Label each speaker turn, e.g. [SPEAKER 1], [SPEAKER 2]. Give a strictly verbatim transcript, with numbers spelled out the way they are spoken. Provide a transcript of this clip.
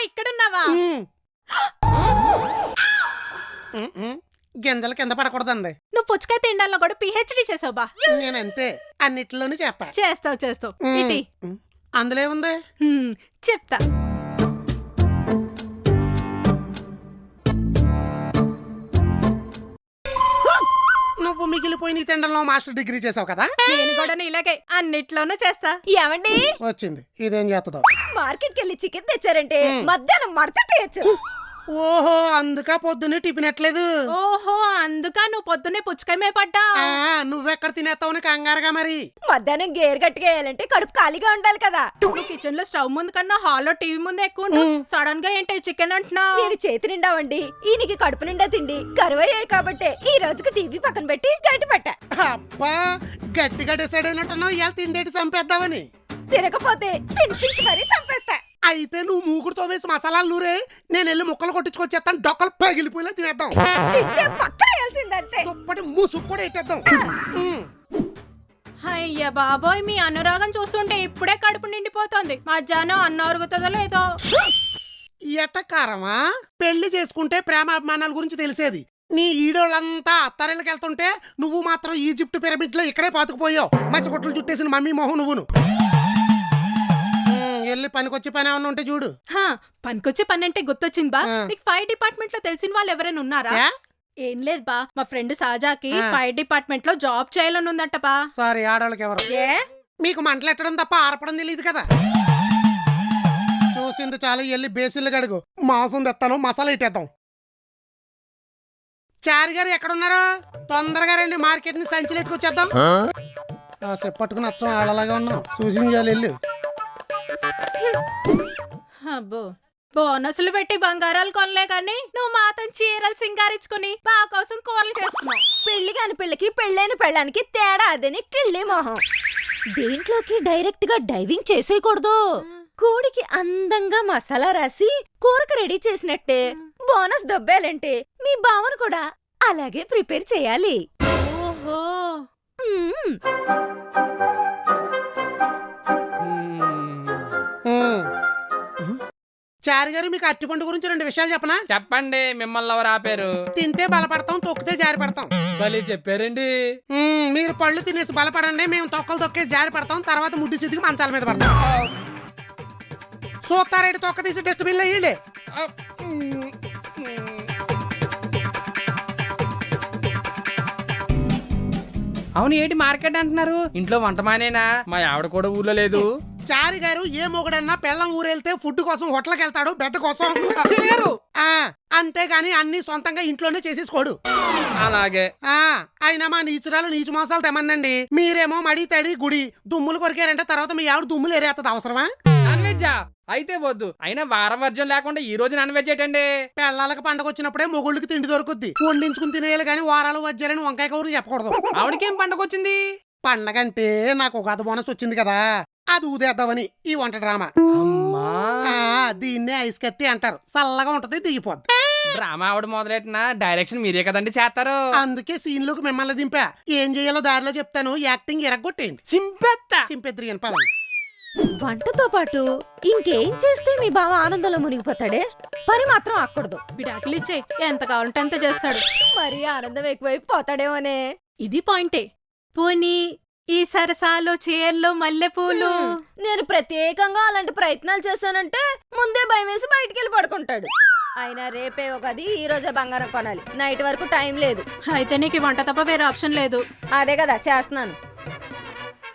[SPEAKER 1] ఇక్కడున్నావా?
[SPEAKER 2] గింజలు కింద పడకూడదండి.
[SPEAKER 1] నువ్వు పుచ్చకాయ తినడంలో కూడా పిహెచ్డి చేసావు బా.
[SPEAKER 2] నేనంతే, అన్నిట్లోనే చేస్తా.
[SPEAKER 1] చేస్తావు చేస్తావు. ఇటీ
[SPEAKER 2] అందులో ఏముంది
[SPEAKER 1] చెప్తా.
[SPEAKER 2] నువ్వు మిగిలిపోయిన తిండంలో మాస్టర్ డిగ్రీ చేసావు కదా.
[SPEAKER 1] నేను కూడా ఇలాగే అన్నిట్లోనూ చేస్తా.
[SPEAKER 3] ఏమండి
[SPEAKER 2] వచ్చింది, ఇదేం చేస్తుందో.
[SPEAKER 3] మార్కెట్ కెళ్ళి చికెన్ తెచ్చారంటే మధ్యాహ్నం మడతట్టేయచ్చు.
[SPEAKER 2] ఓహో, అందుకా పొద్దున్నే టిఫిన్ ఎట్లేదు.
[SPEAKER 1] ఓహో, అందుకా నువ్వు పొద్దున్నే పుచ్చకాయ మేపడ్డా.
[SPEAKER 2] నువ్వెక్కడ తినేస్తావు కంగారుగా. మరి
[SPEAKER 3] మధ్యాహ్నం గేర్ గట్టిగా వేయాలంటే కడుపు ఖాళీగా ఉండాలి కదా.
[SPEAKER 1] నువ్వు కిచెన్ లో స్టవ్ ముందు కన్నా హాల్లో టీవీ ముందు ఎక్కువ. సడన్ గా ఏంటి చికెన్ అంటున్నావు?
[SPEAKER 3] నేను చేతి నిండా వండి ఈయనకి కడుపు నిండా తిండి కరువయ్యాయి కాబట్టి ఈ రోజుకి టీవీ పక్కన పెట్టి గట్టి పట్టా.
[SPEAKER 2] అబ్బా, గట్టిగా డిసైడ్ అయినట్టున్నావు ఇలా తిండేటి చంపేద్దామని.
[SPEAKER 3] తినకపోతే తినిపించి మరీ చంపేస్తా.
[SPEAKER 2] అయితే నువ్వు మూగుడుతో వేసి మసాలాలు నూరే, నేను వెళ్ళి ముక్కలు కొట్టించుకొచ్చేస్తాను. డొక్కలు పగిలిపోయినా తినేద్దాం.
[SPEAKER 3] తింటే పక్కన వేయాల్సిందంతే.
[SPEAKER 2] దుప్పటి ముసుగు కూడా ఎట్టేద్దాం.
[SPEAKER 1] అయ్యా బాబోయ్, మీ అనురాగం చూస్తుంటే ఇప్పుడే కడుపు నిండిపోతుంది. మధ్యాహ్నం అన్నం అరుగుతుందో లేదో.
[SPEAKER 2] ఎటకారమా? పెళ్లి చేసుకుంటే ప్రేమ అభిమానాల గురించి తెలిసేది. నీ ఈడోళ్ళంతా అత్తారేళ్ళకి వెళ్తుంటే నువ్వు మాత్రం ఈజిప్ట్ పిరమిడ్ లో ఇక్కడే పాతుకుపోయావు. మసిగొట్లు చుట్టేసిన మమ్మీ మొహం నువ్వును. వెళ్ళి పనికొచ్చి పని ఏమన్నా ఉంటే చూడు.
[SPEAKER 1] పనికొచ్చే పని అంటే గుర్తొచ్చింది బా. నీకు ఫైర్ డిపార్ట్మెంట్ లో తెలిసిన వాళ్ళు ఎవరైనా ఉన్నారా? ఏం లేదు బా, మా ఫ్రెండ్ సాజాకి ఫైర్ డిపార్ట్మెంట్ లో జాబ్ చేయాలని ఉందంట బా.
[SPEAKER 2] సారీ, ఆడవాళ్ళకి ఎవరు? మీకు మంటలు ఎట్టడం తప్ప ఆరపడం తెలియదు కదా. చూసింది చాలు, వెళ్ళి బేసిన్లు గడుగు. మాంసం తెస్తాను, మసాలా ఇట్టేద్దాం. చారి గారు ఎక్కడున్నారో తొందరగా రండి, మార్కెట్ ని సంచులు ఎట్టుకొచ్చేద్దాం. సేపు పట్టుకుని అచ్చం ఆడలాగా ఉన్నాం. సూచించాలి వెళ్ళి.
[SPEAKER 1] అబ్బో, బోనసులు పెట్టి బంగారాలు కొనలే కానీ నువ్వు మాత్రం చీరలు సింగారించుకుని బా కోసం కూరలు చేస్తున్నావు.
[SPEAKER 3] పెళ్లి కాని పిల్లకి పెళ్ళైన పెళ్ళానికి తేడా అదని కిళ్ళి మొహం. దేంట్లోకి డైరెక్ట్ గా డైవింగ్ చేసేయకూడదు. కోడికి అందంగా మసాలా రాసి కూరకు రెడీ చేసినట్టే బోనస్ దొబ్బేయాలంటే మీ బావను కూడా అలాగే ప్రిపేర్ చేయాలి.
[SPEAKER 1] ఓహో,
[SPEAKER 2] చారి గారు, మీకు అరటిపండు గురించి రెండు విషయాలు చెప్పనా?
[SPEAKER 4] చెప్పండి. మిమ్మల్ని ఎవరు ఆపారు?
[SPEAKER 2] తింటే బలపడతాం, తొక్కితే జారి పడతాం.
[SPEAKER 4] భలే చెప్పారండి.
[SPEAKER 2] మీరు పళ్ళు తినేసి బలపడండి, మేము తొక్కలు తొక్కేసి జారి పడతాం. తర్వాత ముడ్డి సిద్ధికి మంచాల మీద పడతాం. సూతారేడు తొక్క తీసి డస్ట్బిన్ లో వేయండి.
[SPEAKER 4] అవును, ఏంటి మార్కెట్ అంటున్నారు? ఇంట్లో వంట మానేనా? మా ఆవిడ కూడా ఊర్లో లేదు.
[SPEAKER 2] చారి గారు ఏ మొగుడన్నా పెళ్ళం ఊరెళ్తే ఫుడ్ కోసం హోటల్కి వెళ్తాడు, బెడ్ కోసం. అంతేగాని అన్ని సొంతంగా ఇంట్లోనే చేసేసుకోడు.
[SPEAKER 4] అలాగే.
[SPEAKER 2] ఆ అయినా మా నీచురాలు నీచు మోసాలు తెమ్మందండి. మీరేమో మడి తడి గుడి దుమ్ములు కొరికారంటే తర్వాత మీ ఆవిడ దుమ్ములు ఏరేస్తుంది. అవసరమా?
[SPEAKER 4] నాన్ వెజ్జా? అయితే వద్దు. అయినా వారం వర్జం లేకుండా ఈ రోజు నాన్ వెజ్ ఏంటండి?
[SPEAKER 2] పెళ్ళాలకు పండగ వచ్చినప్పుడే మొగుళ్ళకి తిండి దొరుకుద్ది. వండించుకుని తినేయాలి కానీ వారాలు వజ్జాలని వంకాయ కౌరులు చెప్పకూడదు.
[SPEAKER 4] ఆవిడకేం పండగ వచ్చింది?
[SPEAKER 2] పండగ అంటే నాకు ఒక గత బోనస్ వచ్చింది కదా, అది ఊదేద్దామని ఈ వంట డ్రామా. దీన్నే ఐస్ కత్తి అంటారు. చల్లగా ఉంటది, దిగిపోద్ది.
[SPEAKER 4] డ్రామా ఆవిడ మొదలెట్టిన డైరెక్షన్ మీరే కదండి చేస్తారు.
[SPEAKER 2] అందుకే సీన్ లోకి మిమ్మల్ని దింపా. ఏం చేయాలో దారిలో చెప్తాను, యాక్టింగ్ ఎరగొట్టేయండి.
[SPEAKER 4] చింపెత్తా
[SPEAKER 2] సింపెత్రి అని పదం.
[SPEAKER 3] వంటతో పాటు ఇంకేం చేస్తే మీ బావ ఆనందంలో మునిగిపోతాడే? పని మాత్రం ఆకూడదు.
[SPEAKER 1] విడాకులు ఇచ్చే ఎంత కావాలంటే అంత చేస్తాడు.
[SPEAKER 3] మరి ఆనందం ఎక్కువైపు పోతాడేమోనే.
[SPEAKER 1] ఇది పాయింటే. పోనీ ఈ సరసాలు, చీరలు, మల్లెపూలు.
[SPEAKER 3] నేను ప్రత్యేకంగా అలాంటి ప్రయత్నాలు చేశానంటే ముందే భయం వేసి బయటికి వెళ్ళి పడుకుంటాడు. అయినా రేపే ఒకది, ఈ రోజే బంగారం కొనాలి. నైట్ వరకు టైం లేదు.
[SPEAKER 1] అయితే నీకు వంట తప్ప వేరే ఆప్షన్ లేదు.
[SPEAKER 3] అదే కదా చేస్తున్నాను.